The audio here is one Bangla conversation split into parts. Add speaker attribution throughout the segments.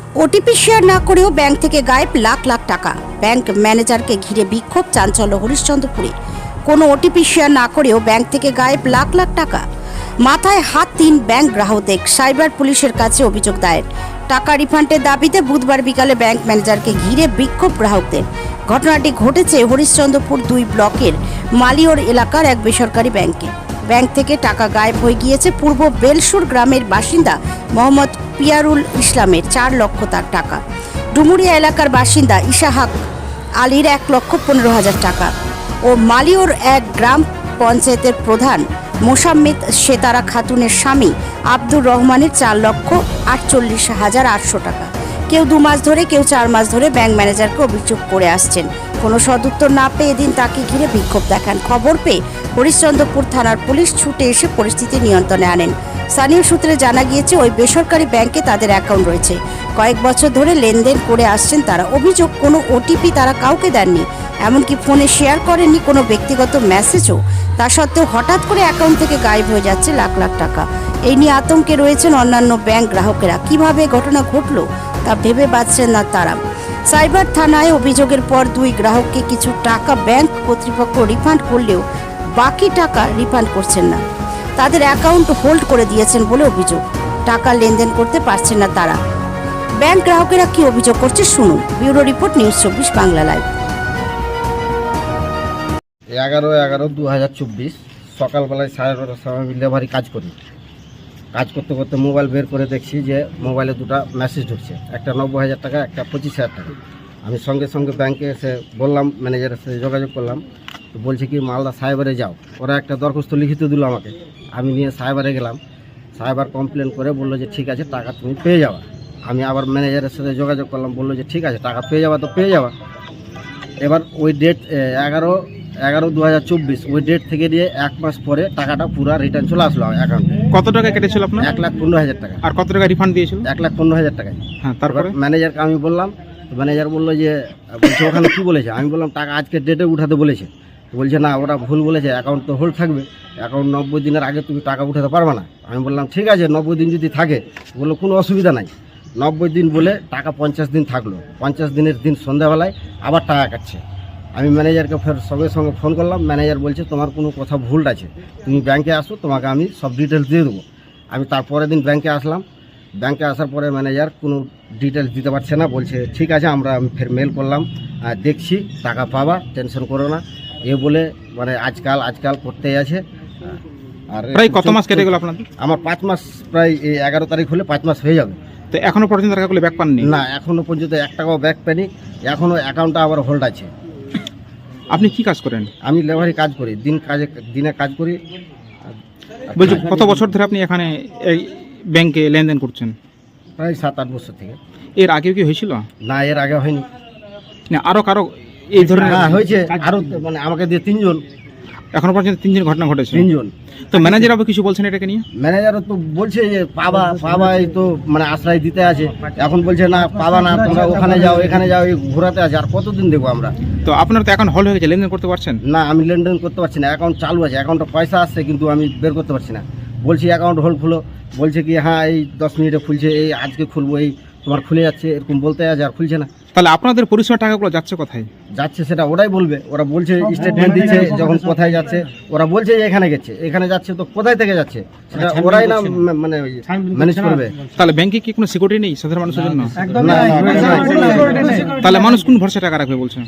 Speaker 1: ওটিপি শেয়ার না করেও ব্যাংক থেকে গায়েব লাখ লাখ টাকা। ব্যাংক ম্যানেজারকে ঘিরে বিক্ষোভ, চাঞ্চল্য হরিশ্চন্দ্রপুরে। কোনো ওটিপি শেয়ার না করেও ব্যাংক থেকে গায়েব লাখ লাখ টাকা। মাথায় হাত 3 ব্যাংক গ্রাহকদের। সাইবার পুলিশের কাছে অভিযোগ দায়ের। টাকা রিফান্ডের দাবিতে বুধবার বিকালে ব্যাংক ম্যানেজারকে ঘিরে বিক্ষোভ গ্রাহকদের। ঘটনাটি ঘটেছে হরিশ্চন্দ্রপুর 2 ব্লকের মালিয়র এলাকার এক বেসরকারি ব্যাংকে। ব্যাংক থেকে টাকা গায়েব হয়ে গিয়েছে পূর্ব বেলসুর গ্রামের বাসিন্দা মোহাম্মদ পিয়ারুল ইসলামের 4 লক্ষ তার টাকা, ডুমুরিয়া এলাকার বাসিন্দা ইশাহাক আলীর 1,15,000 টাকা ও মালিয়র এক গ্রাম পঞ্চায়েতের প্রধান মোসাম্মেদ সেতারা খাতুনের স্বামী আব্দুর রহমানের 4,48,800 টাকা। কেউ 2 মাস ধরে, কেউ 4 মাস ধরে ব্যাংক ম্যানেজারকে অভিযোগ করে আসছেন। কোনো সদুত্তর না পেয়ে এদিন তাকে ঘিরে বিক্ষোভ দেখান। খবর পেয়ে হরিশ্চন্দ্রপুর থানার পুলিশ ছুটে এসে পরিস্থিতি নিয়ন্ত্রণে আনেন। স্থানীয় সূত্রে জানা গিয়েছে ওই বেসরকারি ব্যাংকে তাদের অ্যাকাউন্ট রয়েছে। কয়েক বছর ধরে লেনদেন করে আসছেন তারা। অভিযোগ, কোনো ওটিপি তারা কাউকে দেননি, এমনকি ফোনে শেয়ার করেননি কোনো ব্যক্তিগত মেসেজও। তা সত্ত্বেও হঠাৎ করে অ্যাকাউন্ট থেকে গায়েব হয়ে যাচ্ছে লাখ লাখ টাকা। এই নিয়ে আতঙ্কে রয়েছেন অন্যান্য ব্যাংক গ্রাহকেরা। কিভাবে ঘটনা ঘটল তা ভেবে পাচ্ছেন না তারা। সাইবার থানায় অভিযোগের পর 2 গ্রাহককে কিছু টাকা ব্যাংক কর্তৃপক্ষ রিফান্ড করলেও বাকি টাকা রিফান্ড করছেন না। তাদের অ্যাকাউন্ট হোল্ড করে দিয়েছেন বলে অভিযোগ। টাকা লেনদেন করতে পারছেন না তারা। ব্যাংক গ্রাহকেরা কি অভিযোগ করছে শুনুন। Bureau report, news 24 Bangla live.
Speaker 2: 11/11/2024 সকালবেলায় 12:30 সময় ডেলিভারি কাজ করি। কাজ করতে করতে মোবাইল বের করে দেখছি যে মোবাইলে 2টা মেসেজ ঢুকছে, একটা 90,000 টাকা, একটা 25,000 টাকা। আমি সঙ্গে সঙ্গে ব্যাংকে এসে বললাম, ম্যানেজারের সাথে যোগাযোগ করলাম। তো বলছে কি মালদা সাইবারে যাও। ওরা একটা দরখাস্ত লিখিত দিল আমাকে। আমি নিয়ে সাইবারে গেলাম। সাইবার কমপ্লেন করে বললো যে ঠিক আছে, টাকা তুমি পেয়ে যাওয়া। আমি আবার ম্যানেজারের সাথে যোগাযোগ করলাম, বললো যে ঠিক আছে, টাকা পেয়ে যাওয়া তো পেয়ে যাওয়া। এবার ওই ডেট 11/11/2024 ওই ডেট থেকে দিয়ে 1 মাস পরে টাকাটা পুরো রিটার্ন চলে আসলো অ্যাকাউন্টে।
Speaker 3: কত টাকা কেটেছিল আপনার?
Speaker 2: 1,15,000 টাকা।
Speaker 3: আর কত টাকা রিফান্ড দিয়েছিল?
Speaker 2: 1,15,000 টাকা।
Speaker 3: হ্যাঁ, তারপরে
Speaker 2: ম্যানেজারকে আমি বললাম, ম্যানেজার বললো যে বলছে ওখানে কী বলেছে। আমি বললাম টাকা আজকে ডেটে উঠাতে বলেছে। বলছে না, ওরা ভুল বলেছে, অ্যাকাউন্ট তো হোল্ড থাকবে, অ্যাকাউন্ট 90 দিনের আগে তুমি টাকা উঠাতে পারবে না। আমি বললাম ঠিক আছে, 90 দিন যদি থাকে, বললো কোনো অসুবিধা নাই। 90 দিন বলে টাকা 50 দিন থাকলো। 50 দিনের দিন সন্ধ্যাবেলায় আবার টাকা কাটছে। আমি ম্যানেজারকে ফের সঙ্গে সঙ্গে ফোন করলাম। ম্যানেজার বলছে তোমার কোনো কথা ভুল আছে, তুমি ব্যাংকে আসো, তোমাকে আমি সব ডিটেলস দিয়ে দেবো। আমি তারপরের দিন ব্যাংকে আসলাম। ব্যাংকে আসার পরে ম্যানেজার কোনো ডিটেলস দিতে পারছে না। বলছে ঠিক আছে, আমি ফের মেল করলাম, দেখছি, টাকা পাবা, টেনশন করো না, এ বলে মানে আজকাল করতেই আছে। আর
Speaker 3: প্রায় কত মাস কেটে গেল আপনাদের?
Speaker 2: আমার 5 মাস, প্রায় এই 11 তারিখ হলে 5 মাস হয়ে যাবে।
Speaker 3: তো এখনো পর্যন্ত টাকাগুলো ব্যাক পাননি?
Speaker 2: না, এখনো পর্যন্ত 1 টাকাও ব্যাক পাইনি। এখনও অ্যাকাউন্টটা আবার হোল্ড আছে।
Speaker 3: আপনি কি কাজ করেন?
Speaker 2: আমি লেবারি কাজ করি, দিনে কাজ করি।
Speaker 3: বলছি, কত বছর ধরে আপনি এখানে এই ব্যাংকে লেনদেন করছেন?
Speaker 2: প্রায় 7-8 বছর থেকে।
Speaker 3: এর আগেও কি হয়েছিল?
Speaker 2: না, এর আগে হয়নি।
Speaker 3: না, আরো কারো এই ধরনের?
Speaker 2: হ্যাঁ, হয়েছে। আরো মানে আমাকে দিয়ে 3 জন।
Speaker 3: এখনো পর্যন্ত 3 জন ঘটনা ঘটেছে?
Speaker 2: 3 জন।
Speaker 3: তো ম্যানেজার আবার কিছু বলছেন এটাকে নিয়ে?
Speaker 2: ম্যানেজারও তো বলছে যে পাবা, এই তো মানে আশ্রয় দিতে আছে। এখন বলছে না, পাবা না, তোমরা ওখানে যাও, এখানে যাও, এই ঘোরাতে আছে। আর কতদিন দেখবো আমরা?
Speaker 3: তো আপনার তো অ্যাকাউন্ট হোল্ড হয়ে গেছে, লেনদেন করতে পারছেন
Speaker 2: না? আমি লেনদেন করতে পারছি না। অ্যাকাউন্ট চালু আছে, অ্যাকাউন্টে পয়সা আসছে, কিন্তু আমি বের করতে পারছি না। বলছি অ্যাকাউন্ট হোল্ড খুলো, বলছে কি হ্যাঁ এই 10 মিনিটে খুলছে, এই আজকে খুলবো, এই তোমার খুলে যাচ্ছে, এরকম বলতে আছে, আর খুলছে না।
Speaker 3: তাহলে আপনাদের পরিষেবা টাকাগুলো যাচ্ছে কোথায়?
Speaker 2: যাচ্ছে সেটা ওরাই বলবে। ওরা বলছে, স্টেটমেন্ট দিচ্ছে যখন কোথায় যাচ্ছে, ওরা বলছে যে এখানে গেছে, এখানে যাচ্ছে, তো কোথায় থেকে যাচ্ছে সেটা ওরাই না মানে ম্যানেজ করবে।
Speaker 3: তাহলে ব্যাংকে কি কোনো সিকিউরিটি নেই সাধারণ মানুষের জন্য?
Speaker 2: না,
Speaker 3: তাহলে মানুষ কোন ভরসা টাকা রাখবে বলছে?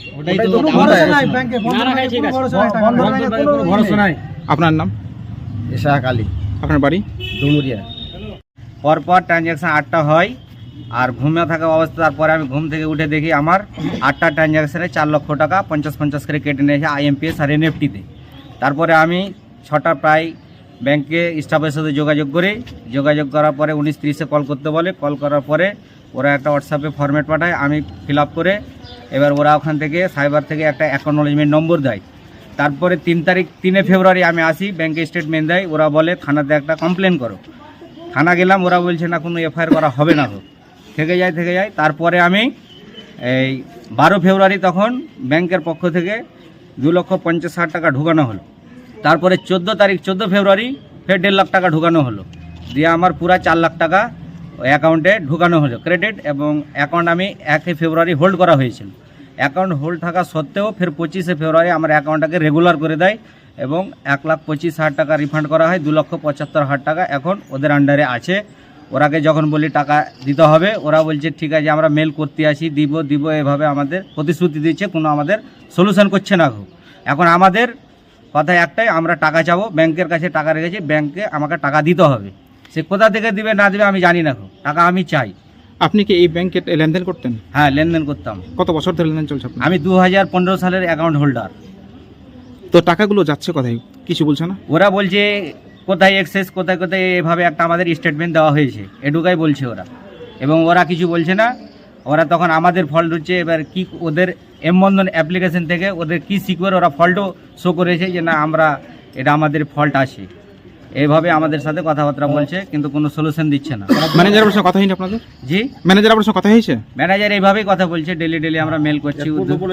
Speaker 3: আপনার নাম?
Speaker 2: ইশাহাক আলী।
Speaker 3: আপনার বাড়ি?
Speaker 2: ডুমুরিয়া।
Speaker 4: পরপর ট্রানজ্যাকশান 8টা হয়, আর ঘুমিয়ে থাকা অবস্থা। তারপরে আমি ঘুম থেকে উঠে দেখি আমার 8টা ট্রানজ্যাকশানে 4 লক্ষ টাকা 50-50 করে কেটে নিয়েছে IMPS আর NEFT-তে। তারপরে আমি 6টা প্রায় ব্যাংকে স্টাফের সাথে যোগাযোগ করার পরে 19:30-এ কল করতে বলে। কল করার পরে ওরা একটা হোয়াটসঅ্যাপে ফরম্যাট পাঠায়, আমি ফিল আপ করে, এবার ওরা ওখান থেকে সাইবার থেকে একটা অ্যাকনোলেজমেন্ট নম্বর দেয়। তারপরে 3 ফেব্রুয়ারি আমি আসি, ব্যাংকে স্টেটমেন্ট দেয়। ওরা বলে থানাতে একটা কমপ্লেন করো। থানা গেলাম, ওরা বলছে না, কোনো FIR করা হবে না, থেকে যায়। তারপরে আমি এই 12 ফেব্রুয়ারি তখন ব্যাংকের পক্ষ থেকে 2,50,000 টাকা ঢুকানো হলো। তারপরে 14 ফেব্রুয়ারি ফের 1.5 লাখ টাকা ঢুকানো হলো, দিয়ে আমার পুরা 4 লাখ টাকা ওই অ্যাকাউন্টে ঢুকানো হলো ক্রেডিট, এবং অ্যাকাউন্ট আমি 1 ফেব্রুয়ারি হোল্ড করা হয়েছিল। অ্যাকাউন্ট হোল্ড থাকা সত্ত্বেও ফের 25 ফেব্রুয়ারি আমার অ্যাকাউন্টটাকে রেগুলার করে দেয় এবং 1,25,000 টাকা রিফান্ড করা হয়। 2,75,000 টাকা এখন ওদের আন্ডারে আছে। ওরাকে যখন বলি টাকা দিতে হবে, ওরা বলছে ঠিক আছে আমরা মেল করতে আসি, দিব এভাবে আমাদের প্রতিশ্রুতি দিচ্ছে, কোনো আমাদের সলিউশন করছে না। এখন আমাদের কথা একটাই, আমরা টাকা চাবো, ব্যাংকের কাছে টাকা রেখেছি, ব্যাংকে আমাকে টাকা দিতে হবে। সে কোথা থেকে দিবে না দিবে আমি জানি না, টাকা আমি চাই।
Speaker 3: আপনি কি এই ব্যাংকে লেনদেন করতেন?
Speaker 4: হ্যাঁ, লেনদেন করতাম।
Speaker 3: কত বছর ধরে লেনদেন চলছে আপনার?
Speaker 4: আমি 2015 সালের অ্যাকাউন্ট হোল্ডার।
Speaker 3: তো টাকাগুলো যাচ্ছে কোথায়, কিছু বলছে না?
Speaker 4: ওরা বলছে কোথায় এক্সেস, কোথায় কোথায় এভাবে একটা আমাদের স্টেটমেন্ট দেওয়া হয়েছে, এটুকাই বলছে ওরা, এবং ওরা কিছু বলছে না। ওরা তখন আমাদের ফল্ট হচ্ছে, এবার কি ওদের এমবন্ধন অ্যাপ্লিকেশন থেকে ওদের কি সিকিউর ওরা ফল্টও শো করেছে যে না আমরা এটা আমাদের ফল্ট আছে, এইভাবে আমাদের সাথে কথাবার্তা বলছে, কিন্তু কোনো সলিউশন দিচ্ছে না।
Speaker 3: ম্যানেজারের সঙ্গে কথা হয়নি আপনাদের?
Speaker 4: জি,
Speaker 3: ম্যানেজার আপনার সঙ্গে কথা হয়েছে?
Speaker 4: ম্যানেজার এইভাবেই কথা বলছে, ডেলি আমরা মেল করছি।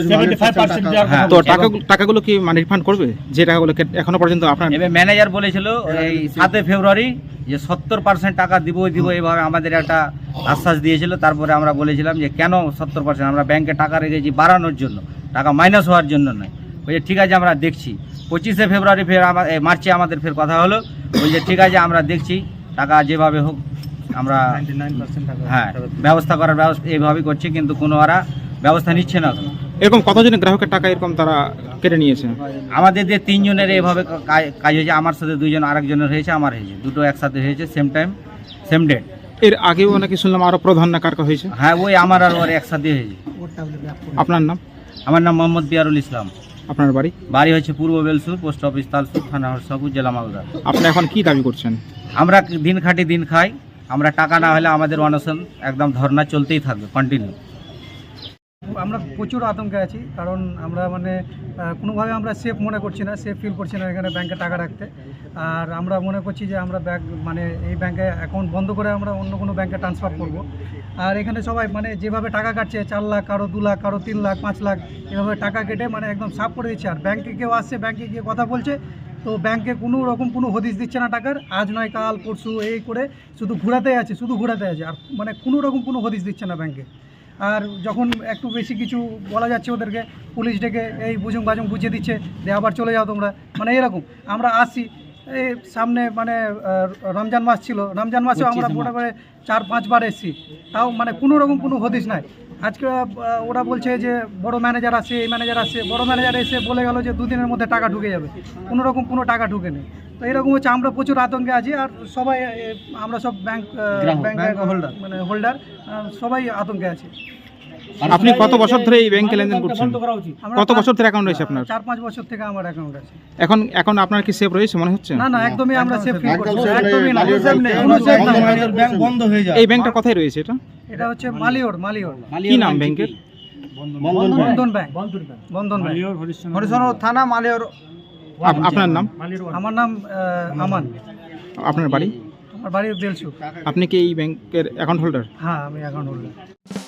Speaker 4: হ্যাঁ,
Speaker 3: তো টাকাগুলো কি মানে রিফান্ড করবে, যে টাকাগুলো এখনো পর্যন্ত আপনার?
Speaker 4: এবার ম্যানেজার বলেছিল এই 7 ফেব্রুয়ারি যে 70% টাকা দিব এইভাবে আমাদের একটা আশ্বাস দিয়েছিল। তারপরে আমরা বলেছিলাম যে কেন 70%, আমরা ব্যাংকে টাকা রেখেছি বাড়ানোর জন্য, টাকা মাইনাস হওয়ার জন্য নয়। বলছে ঠিক আছে আমরা দেখছি। 25 ফেব্রুয়ারি ফের মার্চে আমাদের ফের কথা হলো, বলছে ঠিক আছে আমরা দেখছি, টাকা যেভাবে হোক আমরা হ্যাঁ ব্যবস্থা করার ব্যবস্থা এইভাবেই করছি, কিন্তু কোনো ওরা ব্যবস্থা নিচ্ছে না।
Speaker 3: এরকম কতজনের গ্রাহকের টাকা এরকম তারা কেটে নিয়েছে?
Speaker 4: আমাদের যে 3 জনের এইভাবে কাজ হয়েছে, আমার সাথে 2 জন, আরেকজনের হয়েছে, আমার হয়েছে, দুটো একসাথে হয়েছে, সেম টাইম সেম ডেট।
Speaker 3: এর আগেও নাকি শুনলাম আরো প্রধান না কার হয়েছে?
Speaker 4: হ্যাঁ, ওই আমার আর ওর একসাথে হয়েছে।
Speaker 3: আপনার নাম?
Speaker 4: আমার নাম মোহাম্মদ পিয়ারুল ইসলাম।
Speaker 3: আপনার বাড়ি?
Speaker 4: বাড়ি হচ্ছে পূর্ব বেলসুর, পোস্ট অফিস তালসুর, থানা হরসাপুর, জেলা মালদা।
Speaker 3: আপনি এখন কি দাবি করছেন?
Speaker 4: আমরা দিন খাটি দিন খাই, আমরা টাকা না হলে আমাদের অনশন একদম ধর্না চলতেই থাকবে কন্টিনিউ।
Speaker 5: আমরা প্রচুর আতঙ্কে আছি, কারণ আমরা মানে কোনোভাবে আমরা সেফ মনে করছি না, সেফ ফিল করছি না এখানে ব্যাংকে টাকা রাখতে। আর আমরা মনে করছি যে আমরা মানে এই ব্যাংকে অ্যাকাউন্ট বন্ধ করে আমরা অন্য কোনো ব্যাংকে ট্রান্সফার করব। আর এখানে সবাই মানে যেভাবে টাকা কাটছে, 4 লাখ, কারো 2 লাখ, কারো 3 লাখ, 5 লাখ, এভাবে টাকা কেটে মানে একদম সাফ করে দিচ্ছে। আর ব্যাংকে কেউ আসছে, ব্যাংকে গিয়ে কথা বলছে, তো ব্যাংকে কোনো রকম কোনো হদিশ দিচ্ছে না টাকার, আজ নয় কাল পরশু এই করে শুধু ঘোরাতে আছে, আর মানে কোনো রকম কোনো হদিশ দিচ্ছে না ব্যাংকে। আর যখন একটু বেশি কিছু বলা যাচ্ছে ওদেরকে, পুলিশ ডেকে এই বুঝুং বাজুং বুঝিয়ে দিচ্ছে যে আবার চলে যাও তোমরা, মানে এরকম। আমরা আসছি এই সামনে মানে রমজান মাস ছিল, রমজান মাসেও আমরা মোটামুটি 4-5 বার এসেছি, তাও মানে কোনো রকম কোনো হদিশ নাই। আজকে ওরা বলছে যে বড় ম্যানেজার আসে, এই ম্যানেজার আসে, বড় ম্যানেজার এসে বলে গেল যে 2 দিনের মধ্যে টাকা ঢুকে যাবে, কোনো রকম কোনো টাকা ঢুকে নেই। তো এরকম হচ্ছে, আমরা প্রচুর আতঙ্কে আছি। আর সবাই আমরা সব ব্যাংক হোল্ডার মানে হোল্ডার সবাই আতঙ্কে আছে।
Speaker 3: আপনি কত বছর ধরে এই ব্যাংকে লেনদেন করছেন? কত বছর ধরে অ্যাকাউন্ট রয়েছে আপনার?
Speaker 5: 4-5 বছর থেকে আমার অ্যাকাউন্ট আছে।
Speaker 3: এখন আপনার কি সেফ রয়েছে মনে হচ্ছে?
Speaker 5: না, একদমই আমরা সেফ ফিল করছি, একদমই না,
Speaker 2: ব্যাংক বন্ধ হয়ে যায়।
Speaker 3: এই ব্যাংকটা কোথায় রয়েছে এটা?
Speaker 5: এটা হচ্ছে মালিওর।
Speaker 3: কি নাম ব্যাংকের?
Speaker 5: বন্ধন ব্যাংক।
Speaker 4: হরিশচন্দ্র থানা, মালিয়র।
Speaker 3: আপনার নাম?
Speaker 5: আমার নাম আমান।
Speaker 3: আপনার বাড়ি?
Speaker 5: আমার বাড়ি বেলসু।
Speaker 3: আপনি কি এই ব্যাংকের অ্যাকাউন্ট হোল্ডার?
Speaker 5: হ্যাঁ, আমি অ্যাকাউন্ট হোল্ডার।